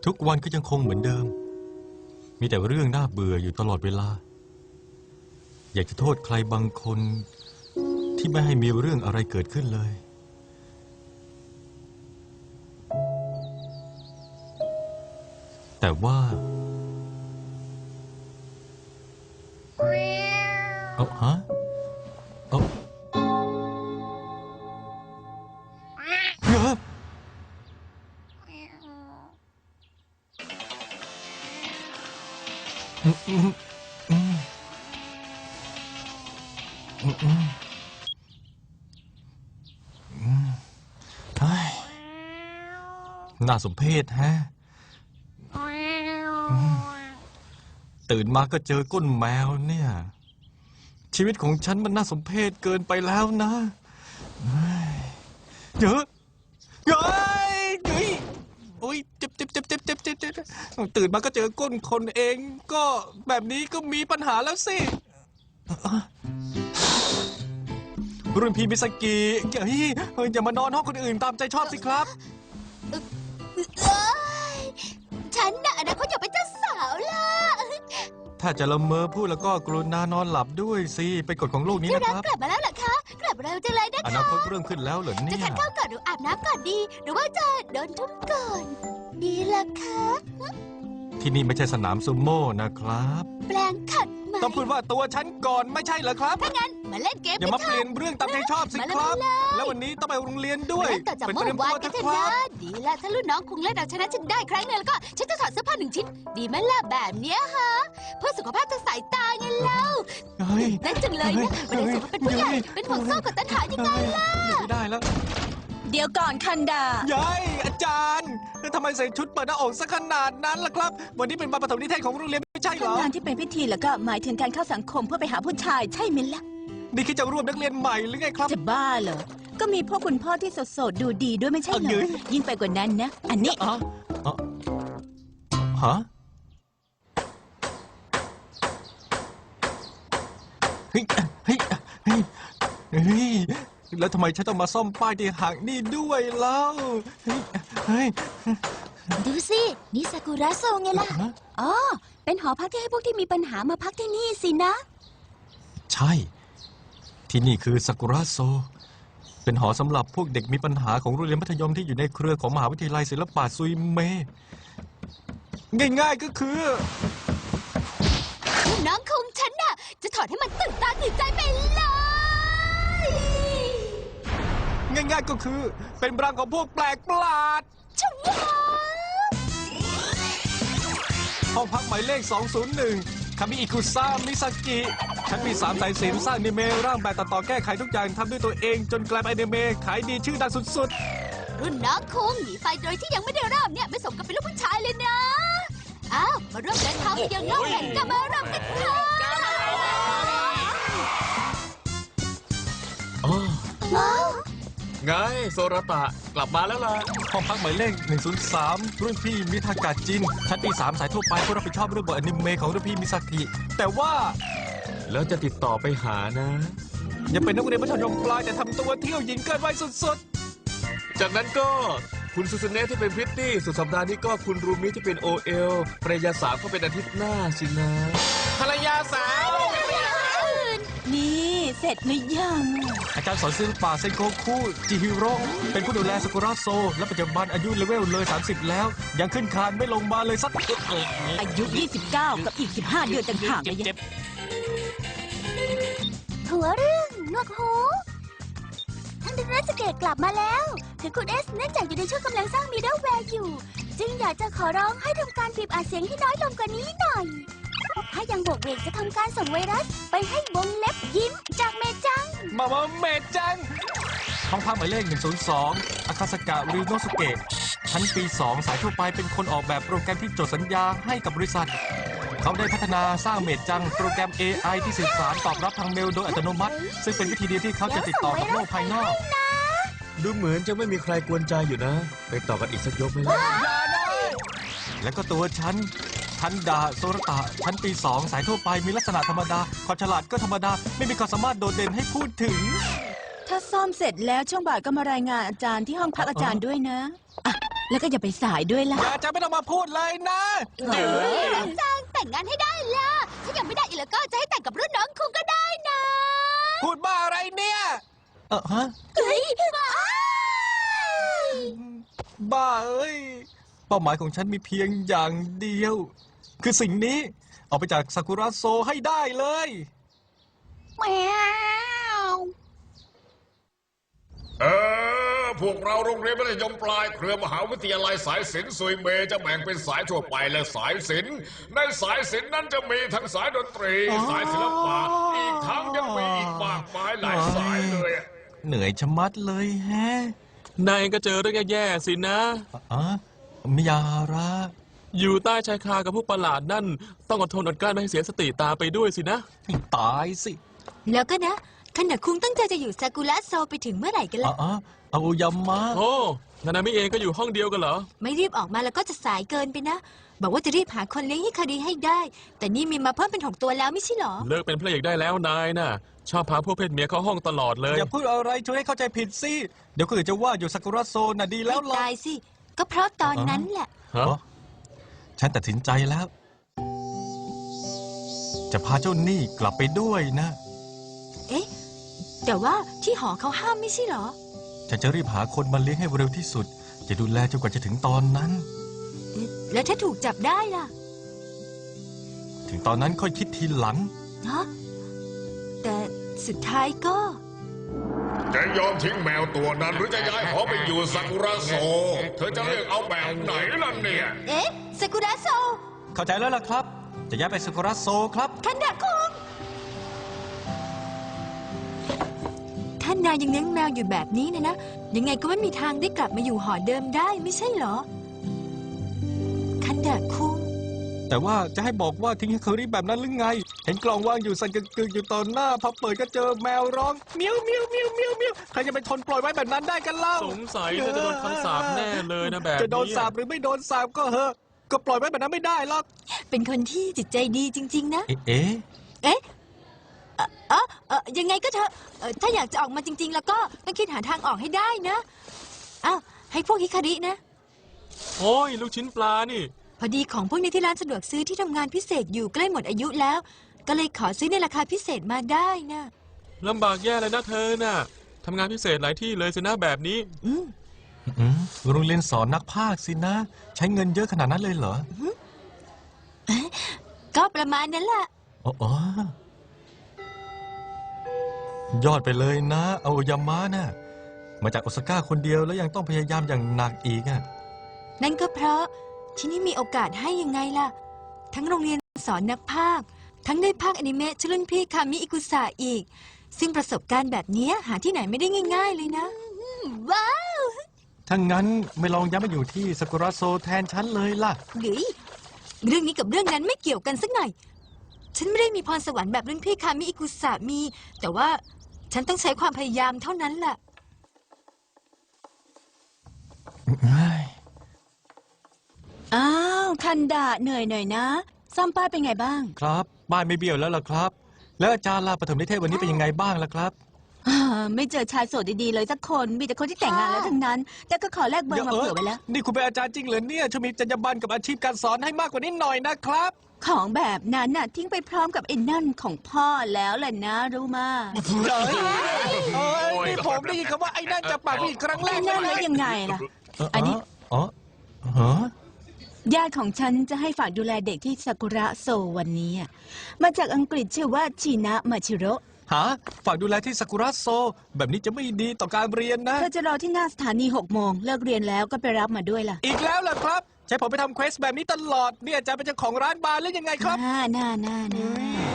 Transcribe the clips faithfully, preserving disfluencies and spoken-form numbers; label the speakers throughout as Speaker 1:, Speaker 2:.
Speaker 1: ทุกวันก็ยังคงเหมือนเดิมมีแต่เรื่องน่าเบื่ออยู่ตลอดเวลาอยากจะโทษใครบางคนที่ไม่ให้มีเรื่องอะไรเกิดขึ้นเลยแต่ว่าเอาฮะเอาเฮ้ยอืมอืมอืมอืมอืมน่าสมเพชฮะตื่นมาก็เจอก้นแมวเนี่ยชีวิตของฉันมันน่าสมเพชเกินไปแล้วนะเยอะเยอะเฮ้ยโอ้ยเจ็บเจ็บเจ็บเจ็บเจ็บเจ็บเจ็บตื่นมาก็เจอก้นคนเองก็แบบนี้ก็มีปัญหาแล้วสิรุ่นพี่มิสกิเฮ้ยอย่ามานอนห้องคนอื่นตามใจชอบสิครับ
Speaker 2: ฉันน่ะนะเขาอยากเป็นเจ้าสาวล่ะ
Speaker 1: ถ้าจะละเมอพูดแล้วก็กรุณานอนหลับด้วยสิเป็นกฎของโลกนี้นะครับ
Speaker 2: กลับมาแล้วเหรอคะกลับเร็วจังเลยนะคะ
Speaker 1: อนาคตเริ่มขึ้นแล้วเหรอเนี่ย
Speaker 2: จะทานข้าวก่อนหรืออาบน้ำก่อนดีหรือว่าจะโดนทุ่มก่อนดีล่ะคะ
Speaker 1: ที่นี่ไม่ใช่สนามซูโม่นะครับ
Speaker 2: แปลงขัดไหม
Speaker 1: ต้องพูดว่าตัวฉันก่อนไม่ใช่เหรอครับ
Speaker 2: ถ้างั้นมาเล่นเกม
Speaker 1: อย่ามาเปลี่ยนเรื่องตามใจชอบสิครับแล้ววันนี้ต้องไปโรงเรียนด้วย
Speaker 2: ต่อจากเมื่อวานกันเถอะนะดีละถ้ารุ่นน้องคงเล่นเอาชนะฉันได้ครั้งนึงแล้วก็ฉันจะถอดเสื้อผ้าหนึ่งชิ้นดีไหมล่ะแบบเนี้ยฮะเพื่อสุขภาพทางสายตาไงเล่านั่นจังเลยนะวันนี้สุขภาพเป็นผู้ใหญ่เป็นห่วงโซ่กับตัณหายังไงล่ะ
Speaker 1: ไม่ได้แล้ว
Speaker 3: เดี๋ยวก่อนคันดาย
Speaker 1: ายอาจารย์ทำไมใส่ชุดเปิดหน้าอกซะขนาดนั้นล่ะครับวันนี้เป็นวันปฐมนิเทศของโรงเรียนไม่ใช่เหรอง
Speaker 3: านที่เป็นพิธีแล้วก็หมายถึงการเข้าสังคมเพื่อไปหาผู้ชายใช่ไหมล่ะ
Speaker 1: นี่คิดจะร่วมนักเรียนใหม่หรือไงครับ
Speaker 3: จะบ้าเหรอก็มีพ่อคุณพ่อที่สดๆดูดีด้วยไม่ใช่เหรอยิ่งไปกว่านั้นนะอันนี้
Speaker 1: อ๋อฮะเฮ้ยเฮ้ยเฮ้ยเฮ้ยแล้วทำไมฉันต้องมาซ่อมป้ายที่หักนี่ด้วยเล่าเฮ้ยเฮ้ย
Speaker 2: ดูสินี่ซากุระโซไงล่ะอ๋อเป็นหอพักที่ให้พวกที่มีปัญหามาพักที่นี่สินะ
Speaker 1: ใช่ที่นี่คือซากุระโซเป็นหอสำหรับพวกเด็กมีปัญหาของโรงเรียนมัธยมที่อยู่ในเครือของมหาวิทยาลัยศิลปะซุยเมง่ายๆก็คือ
Speaker 2: น้องคงฉันน่ะจะถอดให้มันตื่นตาตื่นใจไปเลย
Speaker 1: ง่ายๆก็คือเป็นรังของพวกแปลกประหลาด
Speaker 2: ชัว
Speaker 1: ห้องพักหมายเลขสองศูนย์หนึ่งคามิอิคุซ่ามิซากิฉันมีสามสายสิญจน์สร้างอนิเมะร่างแบบตัดต่อแก้ไขทุกอย่างทำด้วยตัวเองจนกลายเป็นอนิเมะขายดีชื่อดังสุด
Speaker 2: ๆรุ่นน้องคงหนีไฟโดยที่ยังไม่ได้เริ่มเนี่ยไม่สมกับเป็นลูกผู้ชายเลยนะอ้าวมาร่วมเดินทางไปยังโลกแห่งกามารำกันเถอะ
Speaker 4: ไงโซราตะกลับมาแล้วล่ะ
Speaker 1: ห้องพักหมายเลขหนึ่งศูนย์สามรุ่นพี่มิทากะจินชั้นปีสามสายทั่วไปผู้รับผิดชอบเรื่องบทอนิเมะของรุ่นพี่มิซากิแต่ว่า
Speaker 4: แล้วจะติดต่อไปหานะ
Speaker 1: อย่าเป็นนักเรียนมัธยมปลายแต่ทำตัวเที่ยวหญิงเกินวัยสุด
Speaker 4: ๆจากนั้นก็คุณซูซูเนะที่เป็นพริตตี้สุดสัปดาห์นี้ก็คุณรูมิที่เป็นโอเอลภรรยาสาวก็เป็นอาทิตย์หน้าสินะ
Speaker 1: ภรรยาสาว
Speaker 3: นี่เสร็จหรือยัง
Speaker 1: อาจารย์สอนศิลปะเซนโกคุจิฮิโร่เป็นผู้ดูแลซากุระโซและปัจจุบันอายุเลเวลเลยสามสิบแล้วยังขึ้นคานไม่ลงมาเลยสัก
Speaker 3: อายุยี่สิบเก้ากับอีกสิบห้าเดือนต่างหากเลย
Speaker 2: หัวเรื่องนวกหูท่านรัสเกตกลับมาแล้วถึงคุณเอสเนื่องจากอยู่ในช่วงกำลังสร้างมิดเดิลแวร์อยู่จึงอยากจะขอร้องให้ทำการบีบอัดเสียงที่น้อยลงกว่านี้หน่อยถ้ายังบวกเวกจะทำการส่งไวรัสไปให้วงเล็บยิ้มจากเมจัง
Speaker 1: มามาเมจังห้องพักหมายเลขหนึ่งศูนย์สองอาคาสกะริโนสุเกะชั้นปีสองสายทั่วไปเป็นคนออกแบบโปรแกรมที่จดสัญญาให้กับบริษัทเขาได้พัฒนาสร้างเมจังโปรแกรม เอ ไอ ที่สื่อสารตอบรับทางเมลโดยอัตโนมัติซึ่งเป็นวิธีเดียวที่เขาจะติดต่อกับโลกภายนอก
Speaker 4: ดูเหมือนจะไม่มีใครกวนใจอยู่นะไปต่อกันอีกสักยกไหมล่ะ
Speaker 1: แล้วก็ตัวฉันทันดาโซรตะชั้นปีสองสายทั่วไปมีลักษณะธรรมดาความฉลาดก็ธรรมดาไม่มีความสามารถโดดเด่นให้พูดถึง
Speaker 3: ถ้าซ่อมเสร็จแล้วช่วงบ่ายก็มารายงานอาจารย์ที่ห้องพักอาจารย์ด้วยนะอ่ะแล้วก็อย่าไปสายด้วยล่ะ
Speaker 1: อย่าจะไม่ต้องมาพูดเลยนะ
Speaker 2: จังแต่งงานให้ได้ล่ะ ถ้ายังไม่ได้อีกแล้วก็จะให้แต่งกับรุ่นน้องคุณก็ได้นะ
Speaker 1: พูดบ้าอะไรเนี่ย เออฮะ
Speaker 2: เฮ้ยบ้า
Speaker 1: บ้าเอ้ย เป้าหมายของฉันมีเพียงอย่างเดียว คือสิ่งนี้ออกไปจากซากุระโซให้ได้เลย
Speaker 2: แมว
Speaker 5: เออ พวกเราโรงเรียนมัธยมปลายเครือมหาวิทยาลัยสายศิลป์ซุยเมจะแบ่งเป็นสายทั่วไปและสายศิลป์ในสายศิลป์นั้นจะมีทั้งสายดนตรี
Speaker 1: อ๋อ
Speaker 5: สายศิลปะอีกทั้งยังมีอีกมากมายหลายสายเลย
Speaker 1: เหนื่อยชะมัดเลยแฮะ
Speaker 4: นายก็เจอเรื่องแย่ๆสินะ
Speaker 1: อ๋อมิยาระ
Speaker 4: อยู่ใต้ชายคากับพวกประหลาดนั่น ต้องอดทนอดกลั้นไม่ให้เสียสติตามไปด้วยสินะ
Speaker 1: ให้ตายสิ
Speaker 2: แล้วก็นะขณะคุงตั้งใจจะอยู่ซากุระโซไปถึงเมื่อไหร่กัน
Speaker 1: อ๋
Speaker 2: ล่ะ
Speaker 1: อเอายามะ
Speaker 4: โอ้นานามิเองก็อยู่ห้องเดียวกันเหรอ
Speaker 2: ไม่รีบออกมาแล้วก็จะสายเกินไปนะ บอกว่าจะรีบหาคนเลี้ยงฮิคาริให้ได้ แต่นี่มีมาเพิ่มเป็นหกตัวแล้วไม่ใช่หรอ
Speaker 4: เลิกเป็นพระเอกได้แล้วนายน่ะ ชอบพาพวกเพศเมียเข้าห้องตลอดเลย
Speaker 1: อย่าพูดอะไรช่วยให้เข้าใจผิดสิ เดี๋ยวคนอื่นจะว่าอยู่ซากุระโซน่ะดีแล้ว
Speaker 2: ไม่
Speaker 1: ล่ะ
Speaker 2: ตายสิ ก็เพราะตอนนั้นแหละ
Speaker 4: ฮะ
Speaker 1: อ๋อฉันตัดสินใจแล้ว จะพาเจ้าหนี้กลับไปด้วยนะ
Speaker 2: เอ๊ะ แต่ว่าที่หอเขาห้ามไม่ใช่หรอ
Speaker 1: ฉันจะรีบหาคนมาเลี้ยงให้เร็วที่สุด จะดูแลจนกว่าจะถึงตอนนั้น
Speaker 2: เอ๊ะแล้วถ้าถูกจับได้ล่ะ
Speaker 1: ถึงตอนนั้นค่อยคิดทีหลัง
Speaker 2: ฮะแต่สุดท้ายก็
Speaker 5: จะยอมทิ้งแมวตัวนั้นหรือจะย้ายหอไปอยู่ซากุระโซ เธอจะเลือกเอาแบบไหนล่ะเนี่ย
Speaker 2: เอ๊ะซากุระโซ
Speaker 1: เข้าใจแล้วล่ะครับ จะย้ายไปซากุระโซครับ
Speaker 2: คันดะคุงท่านนายยังเลี้ยงแมวอยู่แบบนี้นะนะ ยังไงก็ไม่มีทางได้กลับมาอยู่หอเดิมได้ไม่ใช่เหรอ คันดะคุง
Speaker 1: แต่ว่าจะให้บอกว่าทิ้งให้เคอรี่แบบนั้นหรือไง เห็นกล่องว่างอยู่สั่นกึกๆอยู่ตอนหน้าพอเปิดก็เจอแมวร้องเมียวเมียวเมียวเมียวเมียวใครจะไปทนปล่อยไว้แบบนั้นได้กันเล่า
Speaker 4: สงสัยเธอจะโดนคำสาปแน่เลยนะแบบนี้
Speaker 1: จะโดนสาปหรือไม่โดนสาปก็เหอะ ก็ปล่อยไว้แบบนั้นไม่ได้หรอก
Speaker 2: เป็นคนที่จิตใจดีจริง ๆ นะ
Speaker 1: เอ๊ะเอ๊ะ
Speaker 2: เอ๊ะเอ่อเอ่อเอ่อยังไงก็เถอะเอ่อถ้าอยากจะออกมาจริง ๆ แล้วก็ต้องคิดหาทางออกให้ได้นะอ้าวให้พวกฮิคารินะ
Speaker 4: โอ้ยลูกชิ้นปลานี่
Speaker 2: พอดีของพวกนี้ที่ร้านสะดวกซื้อที่ทำงานพิเศษอยู่ใกล้หมดอายุแล้ว ก็เลยขอซื้อในราคาพิเศษมาได้นะ
Speaker 4: ลำบากแย่เลยนะเธอน่ะทำงานพิเศษหลายที่เลยสินะแบบนี้
Speaker 2: อืม
Speaker 1: อืมโรงเรียนสอนนักพากย์สินะ ใช้เงินเยอะขนาดนั้นเลยเหรอ
Speaker 2: ก็ประมาณนั้นแหละ
Speaker 1: อ๋ออ๋อยอดไปเลยนะเอายามะน่ะมาจากโอซาก้าคนเดียวแล้วยังต้องพยายามอย่างหนักอีกอ่ะ
Speaker 2: นั่นก็เพราะที่นี่มีโอกาสให้ยังไงล่ะ ทั้งโรงเรียนสอนนักพากย์ทั้งได้พากย์อนิเมะชลุ่นพี่คามิอิกุสะอีก ซึ่งประสบการณ์แบบนี้หาที่ไหนไม่ได้ง่าย ๆ เลยนะ ว้าว
Speaker 1: ถ้างั้นไม่ลองย้ายมาอยู่ที่ซากุระโซแทนฉันเลยล่ะ
Speaker 2: หรือเรื่องนี้กับเรื่องนั้นไม่เกี่ยวกันสักหน่อย ฉันไม่ได้มีพรสวรรค์แบบรุ่นพี่คามิอิกุสะมี แต่ว่าฉันต้องใช้ความพยายามเท่านั้นแหละ
Speaker 3: อ้าวคันดะเหนื่อยหน่อยนะซ่อมป้ายเป็นไงบ้าง
Speaker 1: ครับบ้านไม่เบี้ยวแล้วล่ะครับ แล้วอาจารย์ลาปฐมนิเทศวันนี้เป็นยังไงบ้างล่ะครับ
Speaker 3: อ่าไม่เจอชายโสดดีๆเลยสักคนมีแต่คนที่แต่งงานแล้วทั้งนั้น แต่ก็ขอแลกเบอร์มาเผื่อไว้แล้ว
Speaker 1: นี่คุณเป็นอาจารย์จริงเหรอเนี่ยช่วยมีจรรยาบรรณกับอาชีพการสอนให้มากกว่านี้หน่อยนะครับ
Speaker 3: ของแบบนั้นน่ะทิ้งไปพร้อมกับไอ้นั่นของพ่อแล้วแหละนะรู้มา
Speaker 1: เอ้ยเอ้ยนี่ผมได้ยินคำว่าไอ้นั่นจะปากพี่อีกครั้งแร
Speaker 3: ไอ้
Speaker 1: ก
Speaker 3: นั่นแล้วยังไงล่ะ อันนี้
Speaker 1: อ๋อฮะ
Speaker 3: ญาติของฉันจะให้ฝากดูแลเด็กที่ซากุระโซวันนี้อะมาจากอังกฤษชื่อว่าชินะมาชิโร่
Speaker 1: ฮะฝากดูแลที่ซากุระโซ แบบนี้จะไม่ดีต่อการเรียนนะ
Speaker 3: เธอจะรอที่หน้าสถานีหกโมงเลิกเรียนแล้วก็ไปรับมาด้วยล่ะ
Speaker 1: อีกแล้วล่ะครับ ใช้ผมไปทำเควสแบบนี้ตลอดเนี่ยอาจารย์เป็นเจ้าของร้านบาร์หรือยังไงครับ
Speaker 3: น่าน่าน่าน่า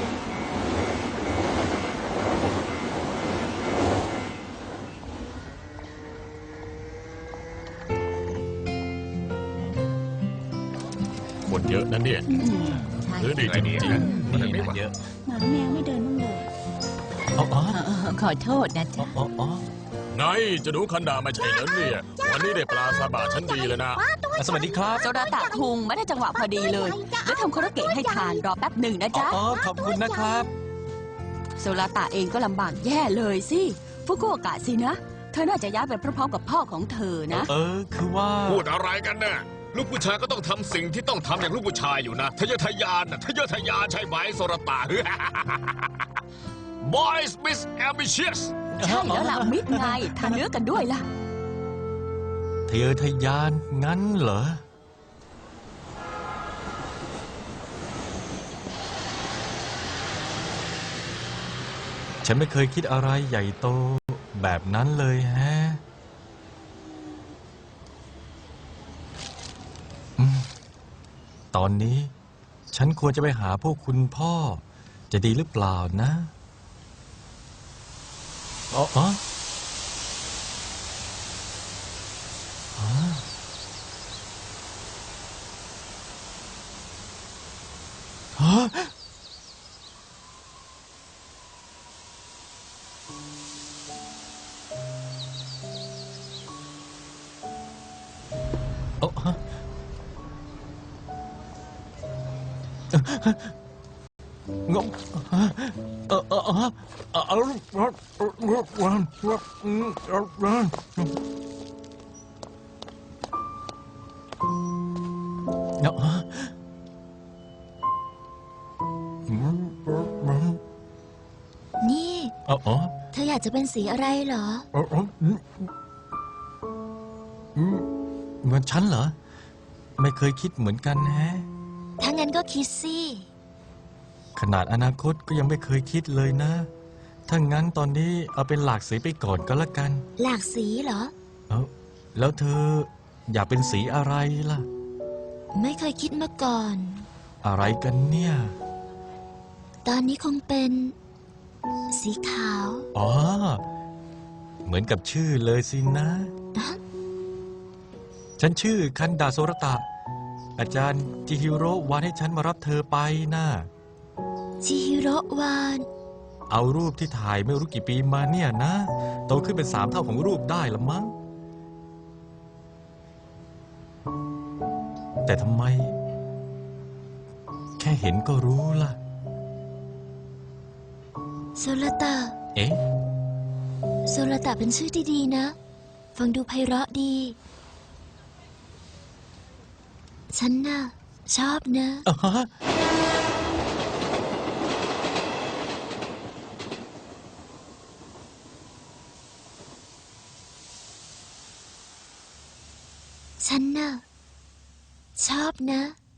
Speaker 5: คนเยอะนะเนี่ย
Speaker 3: อืม
Speaker 5: หรือดีจริงๆนะมันไม่เยอะ
Speaker 3: หมาแมวไม่เดินบ้างเลย
Speaker 1: อ๋ออ๋อ
Speaker 3: เออขอโทษนะจ๊ะ
Speaker 1: อ๋ออ๋อ
Speaker 5: ไงจะดูคันดาไม่ใช่เหรอเนี่ย วันนี้ได้ปลาซาบะชั้นดีเลยนะ
Speaker 1: สวัสดีครับ
Speaker 6: โซดาตะคุงไม่ได้จังหวะพอดีเลยแล้วทำโคโรเกะให้ทานรอแป๊บหนึ่งนะจ๊ะ
Speaker 1: อ๋อขอบคุณนะครับ
Speaker 6: โซดาตะเองก็ลำบากแย่เลยสิฟุกุโอกะสินะ เธธอน่าจะย้ายไปพร้อมๆกับพ่อของเธอนะ
Speaker 1: เออ คือว่า
Speaker 5: พูดอะไรกันเนี่ยลูกผู้ชายก็ต้องทำสิ่งที่ต้องทำอย่างลูกผู้ชายอยู่นะทะเยอทะยานนะทะเยอทะยานใช่ไหมโซรตา Boys Miss Ambitious
Speaker 6: ใช่แล้วล่ะมิดไงทานเนื้อกันด้วยล่ะ
Speaker 1: ทะเยอทะยานงั้นเหรอ ฉันไม่เคยคิดอะไรใหญ่โตแบบนั้นเลยแฮะอืมตอนนี้ฉันควรจะไปหาพวกคุณพ่อ จะดีหรือเปล่านะอ๋ออ๋ออ๋อฮะ เอ้าฮะงงเออเออเออเออเออเออ
Speaker 2: นี่
Speaker 1: เออเออ
Speaker 2: เธออยากจะเป็นสีอะไรเหรอ
Speaker 1: เออเออเหมือนฉันเหรอ ไม่เคยคิดเหมือนกันแฮะ
Speaker 2: ถ้างั้นก็คิดสิ
Speaker 1: ขนาดอนาคตก็ยังไม่เคยคิดเลยนะ ถ้างั้นตอนนี้เอาเป็นหลากสีไปก่อนก็แล้วกัน
Speaker 2: หลากสีเหรอ
Speaker 1: เอ้าแล้วเธออยากเป็นสีอะไรล่ะ
Speaker 2: ไม่เคยคิดมาก่อน
Speaker 1: อะไรกันเนี่ย
Speaker 2: ตอนนี้คงเป็น สีขาว
Speaker 1: อ๋อ เหมือนกับชื่อเลยสินะ ฉันชื่อคันดาโซรตะ อาจารย์จิฮิโร่วานให้ฉันมารับเธอไปนะ
Speaker 2: ชิฮิโร่วาน
Speaker 1: เอารูปที่ถ่ายไม่รู้กี่ปีมาเนี่ยนะ โตขึ้นเป็นสามเท่าของรูปได้ละมั้ง แต่ทำไม แค่เห็นก็รู้ล่ะ
Speaker 2: โซลตะ
Speaker 1: เอ๊ะ
Speaker 2: โซลตะเป็นชื่อที่ดีนะ ฟังดูไพเราะดี ฉันน่ะ ชอบนะ
Speaker 1: อ่าฮะ
Speaker 2: ฉันน่ะ ชอบนะ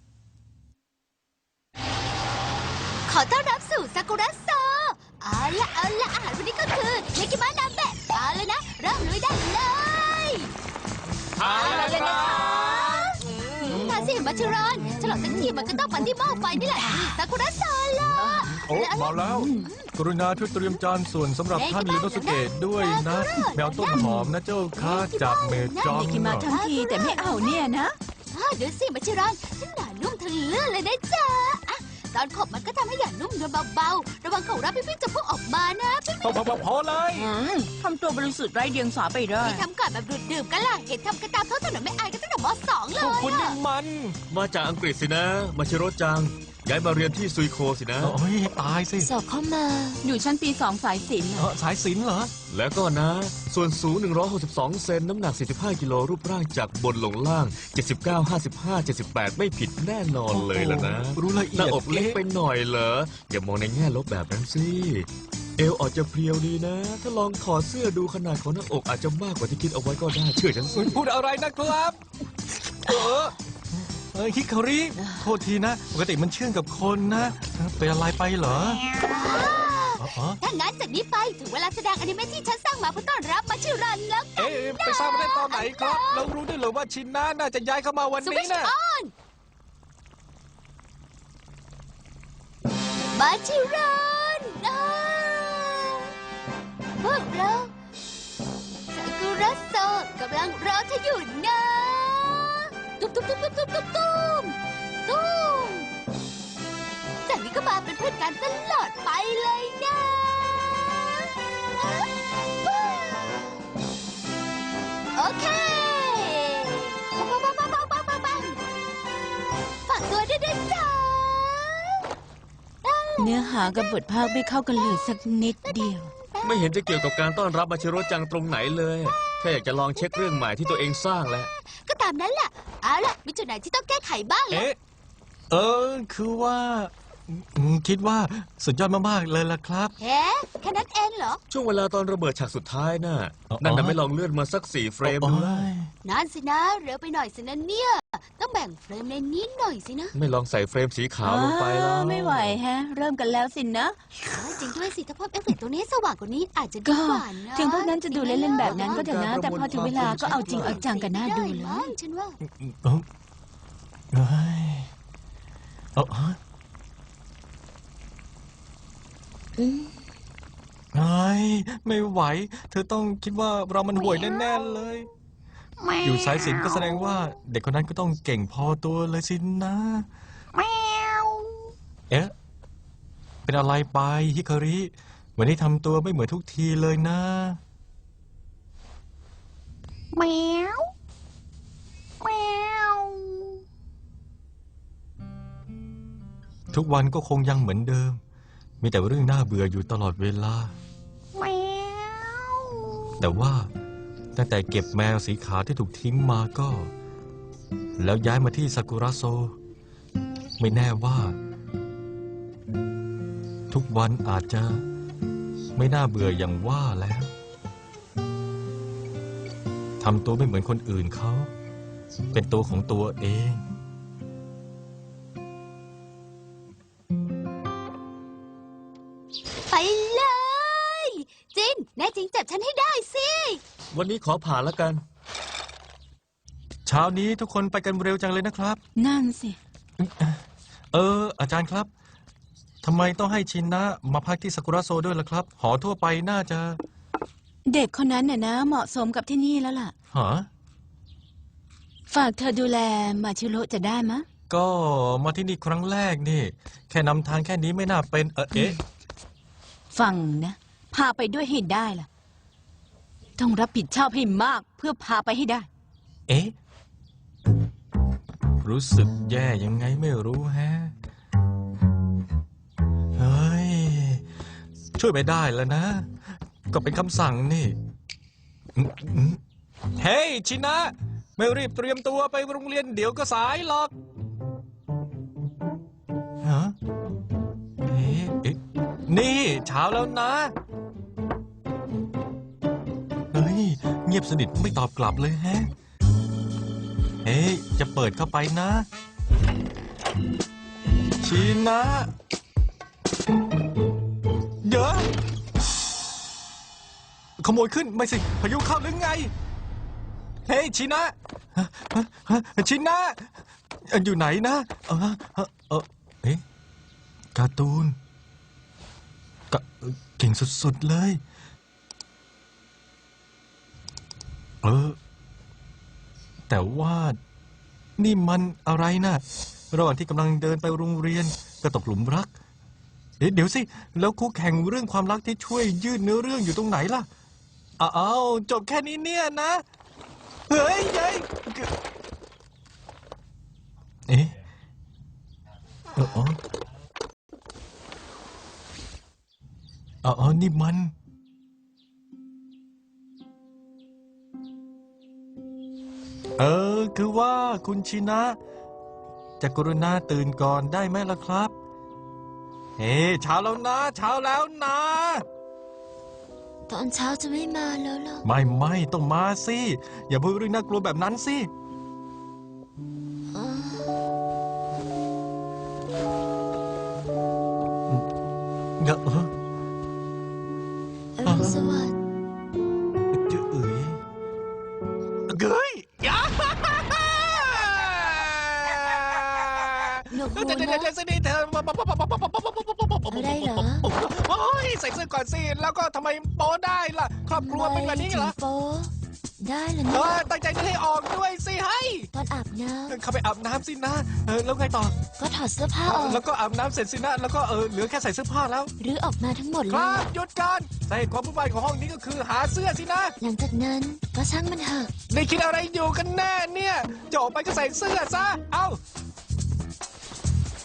Speaker 2: ขอต้อนรับสู่ซากุระโซเอาละเอาละอาหารวันนี้ก็คือเนกิมะนาเบะเอาเลยนะ เริ่มลุยได้เลย
Speaker 5: เอาเลยนะ
Speaker 2: ทาสิมาชิรอนฉลองทั้งทีมันก็ต้องปันที่หม้อไฟนี่แหละซากุระโซล่ะ
Speaker 1: โอ้มาแล้ว กรุณาช่วยเตรียมจานส่วนสำหรับท่านลิโนสุเกะด้วยนะ แมวต้นหอมนะเจ้าค่ะจากเมจอง
Speaker 3: เด็กกินมาทั้งทีแต่ไม่เอาเนี่ยนะ
Speaker 2: อ้าวเดี๋ยวสิมาชิรอนฉันหนานุ่มทะเลื่อนเลยนะจ๊ะอ่ะตอนขบมันก็ทำให้หยานุ่มเดินเบาๆ ระวังเขารับพี่ๆจะพุ่งออกมานะพี่
Speaker 1: พอพอพอเลย
Speaker 3: อืมทำตัวบริสุทธิ์ไร้เดียงสาไปได้
Speaker 2: ๆทำก่อนแบบดื่มๆกันล่ะ เห็นทำกันตามท้องถนนไม่อายกันตั้งแต่มสองเล
Speaker 1: พวก
Speaker 2: ย
Speaker 1: คุณนี่
Speaker 2: อะ
Speaker 1: มัน
Speaker 4: มาจากอังกฤษสินะ มาชิโร่จัง ย้ายมาเรียนที่ซุยโคสินะ
Speaker 1: โอ้ยตายสิ
Speaker 2: สอบเข้ามา
Speaker 3: อยู่ชั้นปีสองสายศิลป์
Speaker 1: เออสายสิญจน์เหรอ
Speaker 4: แล้วก็นะ ส่วนสูง หนึ่งร้อยหกสิบสอง เซน น้ำหนัก สี่สิบห้า กิโล รูปร่างจากบนลงล่าง เจ็ดสิบเก้า ห้าสิบห้า เจ็ดสิบแปด ไม่ผิดแน่นอนเลยล่ะนะ
Speaker 1: รู้ละเอี
Speaker 4: หน้าย
Speaker 1: ด
Speaker 4: อกเล็กไปหน่อยเหรอ อย่ามองในแง่ลบแบบนั้นสิ เอวอาจจะเพรียวดีนะ ถ้าลองถอดเสื้อดูขนาดของหน้าอกอาจจะมากกว่าที่คิดเอาไว้ก็ได้ เชื่อฉันสิ
Speaker 1: พูดอะไรนะครับ เออเออฮิคาริ โทษทีนะ ปกติมันเชื่องกับคนนะเป็นอะไรไปเหรออ๋ออ๋อ
Speaker 2: ถ้างั้นจากนี้ไปถึงเวลาแสดงอนิเมะที่ฉันสร้างมาเพื่อต้อนรับมาชิรอนแล้ว
Speaker 1: เอ๊ะไปสร้างมาได้ตอนไหนครับ เรารู้ด้วยเหรอว่าชินน่าน่าจะย้ายเข้ามาวัน
Speaker 2: สวิ
Speaker 1: นี้
Speaker 2: ช
Speaker 1: นะ
Speaker 2: ออนมาชิรอนอ่าพวกเราซากุระโซกำลังรอเธออยู่นะตุ้มตุ้มตุ้มตุ้มตุ้มตุ้มตุ้มตุ้มจากนี้ก็มาเป็นเพื่อนกันตลอดไปเลยนะโอเคปังปังปังปังปังปังปังฝากตัวด้วยนะจ๊ะ
Speaker 3: เนื้อหากับบทภาคไม่เข้ากันเลยสักนิดเดียว
Speaker 2: ไป
Speaker 4: ไม่เห็นจะเกี่ยวกับการต้อนรับมาชิโร่จังตรงไหนเลยแค่อยากจะลองเช็คเรื่องใหม่ที่ตัวเองสร้างแหละ
Speaker 2: ก็ตามนั้นแหละเอาล่ะมีจุดไหนที่ต้องแก้ไขบ้างล่ะ
Speaker 1: เอ๊ะ เออ คือว่าอืมคิดว่าสุดยอดมากๆเลยล่ะครับ
Speaker 2: เฮ้แค่นั้นเองเหรอ
Speaker 4: ช่วงเวลาตอนระเบิดฉากสุดท้ายน่ะ
Speaker 1: อ๋อ
Speaker 4: นั่นน่ะไม่ลองเลื่อนมาสักสี่เฟรม
Speaker 1: โอ้
Speaker 4: ดู
Speaker 1: ย
Speaker 4: ล่ะ
Speaker 2: นั่นสินะเร็วไปหน่อยสินะเนี่ยต้องแบ่งเฟรมในนี้หน่อยสินะ
Speaker 4: ไม่ลองใส่เฟรมสีขาวลงไปแล้ว
Speaker 3: อ้าวไม่ไหวแฮะ เริ่มกันแล้วสินะ
Speaker 2: เออจริงด้วยสิถ้าเพิ่มเอฟเฟกต์ตัวนี้ให้สว่างกว่านี้อาจจะดี
Speaker 3: ก็
Speaker 2: กว่านะ
Speaker 3: ถึงพวกนั้นจะดูเล่นๆแบบนั้นก็เถอะนะ แต่พอถึงเวลาก็เอาจริงเอาจังกันน่าดูเล
Speaker 2: ได้มั้
Speaker 3: ย
Speaker 2: งฉันว่า
Speaker 1: เอ้าเอ้ยเอาฮะเอ้ยไม่ไหว เธอต้องคิดว่าเรามันห่วยแน่ๆเลย อยู่สายสิญจน์ก็แสดงว่า เด็กคนนั้นก็ต้องเก่งพอตัวเลยสินะ เอ๊ะ เป็นอะไรไปฮิคาริวันนี้ทำตัวไม่เหมือนทุกทีเลยนะ
Speaker 2: แมวแมว
Speaker 1: ทุกวันก็คงยังเหมือนเดิม มีแต่เรื่องน่าเบื่ออยู่ตลอดเวลา
Speaker 2: แมว
Speaker 1: แต่ว่าตั้งแต่เก็บแมวสีขาวที่ถูกทิ้งมาก็ แล้วย้ายมาที่ซากุระโซ ไม่แน่ว่า ทุกวันอาจจะไม่น่าเบื่ออย่างว่าแล้วทำตัวไม่เหมือนคนอื่นเขา เป็นตัวของตัวเอง
Speaker 2: ไปเลย จินแน่จริงจับฉันให้ได้สิ
Speaker 4: วันนี้ขอผ่านแล้วกัน
Speaker 1: เช้านี้ทุกคนไปกันเร็วจังเลยนะครับ
Speaker 3: นั่นสิ
Speaker 1: เออ อาจารย์ครับทำไมต้องให้ชินนะมาพักที่ซากุระโซด้วยล่ะครับ หอทั่วไปน่าจะ
Speaker 3: เด็กคนนั้นน่ะนะ เหมาะสมกับที่นี่แล้วล่ะ
Speaker 1: หา
Speaker 3: ฝากเธอดูแลมาชิโร่จะได้มะ
Speaker 1: ก็มาที่นี่ครั้งแรกนี่ แค่นำทางแค่นี้ไม่น่าเป็น เออเอ๊ะ
Speaker 3: ฟังนะ พาไปด้วยให้ได้ล่ะ ต้องรับผิดชอบให้มากเพื่อพาไปให้ได้
Speaker 1: เอ๊ะ รู้สึกแย่ยังไงไม่รู้แฮะ เฮ้ย ช่วยไม่ได้แล้วนะ ก็เป็นคำสั่งนี่อืมอืมเฮ้ย ชินะ ไม่รีบเตรียมตัวไปโรงเรียนเดี๋ยวก็สายหรอกฮะเอ๊ะเอ๊ะนี่เช้าแล้วนะ เฮ้ย เงียบสนิทไม่ตอบกลับเลยแฮะ เฮ้ย จะเปิดเข้าไปนะ ชินะ เดี๋ยวขโมยขึ้นไม่สิ พายุเข้าหรือไง เฮ้ยชินะฮะฮะฮะชินะเอ่ออยู่ไหนนะ เออเออเออเอ๊ะการ์ตูนกะเก่งสุดๆเลย เออ แต่ว่านี่มันอะไรนะระหว่างที่กำลังเดินไปโรงเรียนก็ตกหลุมรัก เอ๊ะเดี๋ยวสิ แล้วคู่แข่งเรื่องความรักที่ช่วยยืดเนื้อเรื่องอยู่ตรงไหนล่ะอ้าวจบแค่นี้เนี่ยนะ เฮ้ยยัยเอ๊ะเอออ๋ออ๋อนี่มัน เออ คือว่าคุณชินะ จะกรุณาตื่นก่อนได้ไหมล่ะครับ เฮ้เช้าแล้วนะ เช้าแล้วนะ
Speaker 2: ตอนเช้าจะไม่มาแล้วเหรอ
Speaker 1: ไม่ไม่ต้องมาสิ อย่าพูดเรื่องน่ากลัวแบบนั้นสิ เงอะเออ
Speaker 2: อรุณสวัสดิ์
Speaker 1: เจ้าเอ๋ยเกยยา
Speaker 2: หนวกหู
Speaker 1: เดี๋ยวเดี๋ยว
Speaker 2: นะ
Speaker 1: เดี๋ยวสิเธอ
Speaker 2: อะไรเหรอ
Speaker 1: โอ้ยใส่เสื้อก่อนสิ แล้วก็ทำไมโป๊ได้ล่ะ ครอบครัวเป็นแบบนี้เหรอ
Speaker 2: ไม่ถึงโป๊ได้เหรอ
Speaker 1: เอ
Speaker 2: เนี่ย
Speaker 1: อตั้งใจจะให้ออกด้วยสิให้
Speaker 2: ตอนอาบน้
Speaker 1: เข้าไปอาบน้ำสินะ เออแล้วไงต่อ
Speaker 2: ำก็ถอดเสื้อผ้าออก
Speaker 1: แล้วก็อาบน้ำเสร็จสินะ แล้วก็เออเหลือแค่ใส่เสื้อผ้าแล้ว
Speaker 2: หรือออกมาทั้งหมด
Speaker 1: ค
Speaker 2: เล
Speaker 1: รั
Speaker 2: ย
Speaker 1: บหยุดก่อนสาเหตุความวุ่นวายของห้องนี้ก็คือหาเสื้อสินะ
Speaker 2: หลังจากนั้นก็ช่างมันเถอะ
Speaker 1: ได้คิดอะไรอยู่กันแน่เนี่ยจะออกไปก็ใส่เสื้อซะ เอา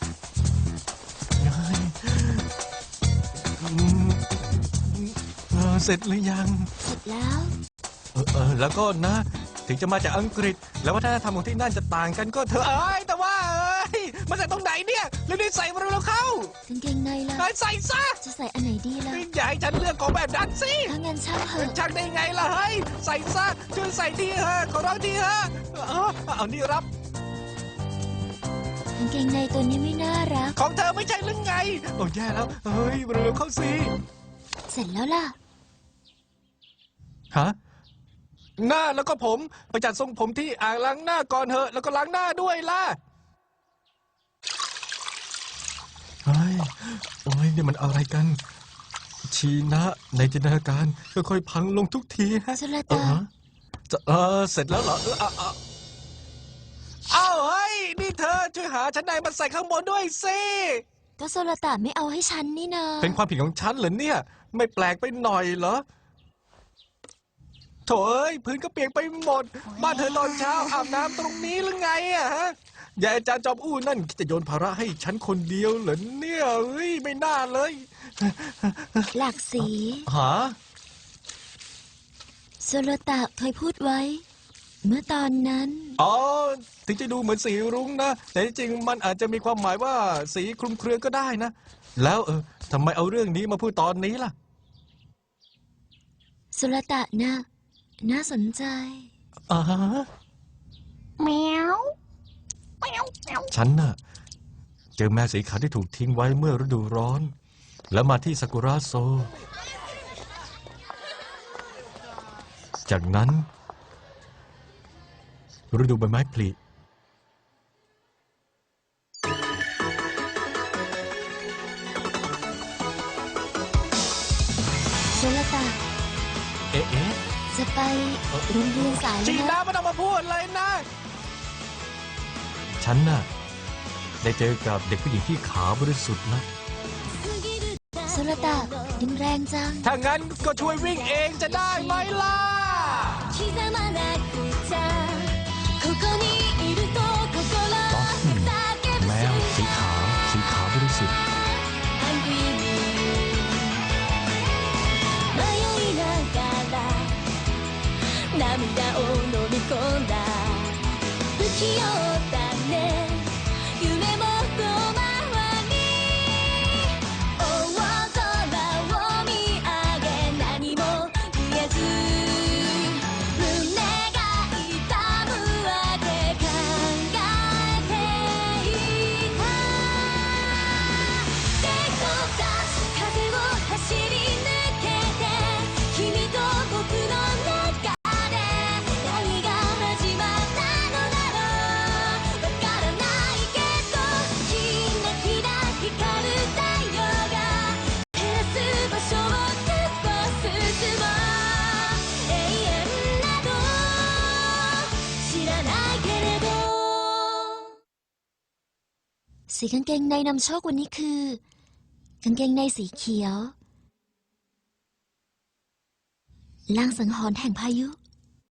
Speaker 1: เฮ้ยอืมเฮ้เสร็จหรือยัง
Speaker 2: เสร็จแล้ว
Speaker 1: เออเออแล้วก็นะ ถึงจะมาจากอังกฤษ แล้ววัฒนธรรมของที่นั่นจะต่างกันก็เถอะเอ้ยแต่ว่าเอ้ยมาจากตรงไหนเนี่ยเรื่องนี้ใส่มาเร็วๆเข้าก
Speaker 2: างเกงในล่ะ
Speaker 1: เอ้ยใส่ซะ
Speaker 2: จะใส่อันไหนดีล่ะ
Speaker 1: อย่าให้ฉันเลือกของแบบนั้นสิ
Speaker 2: ถ้างั้นช่างเถอะ
Speaker 1: ชักได้ไงล่ะเฮ้ยใส่ซะช่วยใส่ทีเถอะขอร้องทีเถอะเออเอานี่รับ
Speaker 2: กางเกงในตัวนี้ไม่น่ารัก
Speaker 1: ของเธอไม่ใช่หรือไงโอ้แย่แล้วเฮ้ยเร็วๆเข้าสิ
Speaker 2: เสร็จแล้วล่ะ
Speaker 1: ฮะหน้าแล้วก็ผมไปจัดทรงผมที่อ่างล้างหน้าก่อนเถอะแล้วก็ล้างหน้าด้วยล่ะเฮ้ยโอ้ยนี่มันอะไรกัน ชีนะในจินตนาการค่อยๆพังลงทุกทีฮะ
Speaker 2: สุร
Speaker 1: เออ
Speaker 2: ตา
Speaker 1: ฮะจะเออเสร็จแล้วเหรอเออเอาเอาเอาเฮ้ยนี่เธอช่วยหาชั้นในมาใส่ข้างบนด้วยสิ
Speaker 2: ก็โซลตาไม่เอาให้ฉันนี่นา
Speaker 1: เป็นความผิดของฉันเหรอเนี่ย ไม่แปลกไปหน่อยเหรอโถเอ้ยพื้นก็เปียกไปหมด บ้านเธอตอนเช้าอาบน้ำตรงนี้หรือไงอะฮะยายอาจารย์จอมอู้นั่นจะโยนภาระให้ฉันคนเดียวเหรอเนี่ยเฮ้ยไม่น่าเลย
Speaker 2: หลากสี
Speaker 1: หา
Speaker 2: โซลตาเคยพูดไว้ เมื่อตอนนั้น
Speaker 1: อ๋อถึงจะดูเหมือนสีรุ้งนะ แต่จริงๆมันอาจจะมีความหมายว่าสีคลุมเครือก็ได้นะ แล้วเออทำไมเอาเรื่องนี้มาพูดตอนนี้ล่ะ
Speaker 2: โซลตาน่ะน่าสนใจ
Speaker 1: อ่าฮะ
Speaker 2: แมว
Speaker 1: ฉันน่ะเจอแมวสีขาวที่ถูกทิ้งไว้เมื่อฤดูร้อน แล้วมาที่ซากุระโซ จากนั้นฤดูใบไม้ผลิ
Speaker 2: โซลตา
Speaker 1: เอ๊ะเอ๊ะ
Speaker 2: จะไปโรงเรียนสาย
Speaker 1: จี
Speaker 2: แล้ว
Speaker 1: น่า
Speaker 2: นะ
Speaker 1: ไม่ต้องมาพูดเลยนะ ฉันน่ะได้เจอกับเด็กผู้หญิงที่ขาวบริสุทธิ์นะ
Speaker 2: โซลตาดินแรงจัง
Speaker 1: ถ้างั้นก็ช่วยวิ่งเองจะได้ไหมล่ะ แมวสีขาวสีขาวบริสุทธิ์
Speaker 2: 涙を飲み込んだ不器用だね夢も遠回り大空を見上げ何も言えず胸が痛むわけ考えていた手を出す風を走り抜けて君と僕の中何が始まったのだろうわからないけどキラキラ光る太陽が照らす場所をずっと進もう永遠など知らないけれどสีกางเกงในนำโชควันนี้คือกางเกงในสีเขียวลางสังหรณ์แห่งพายุ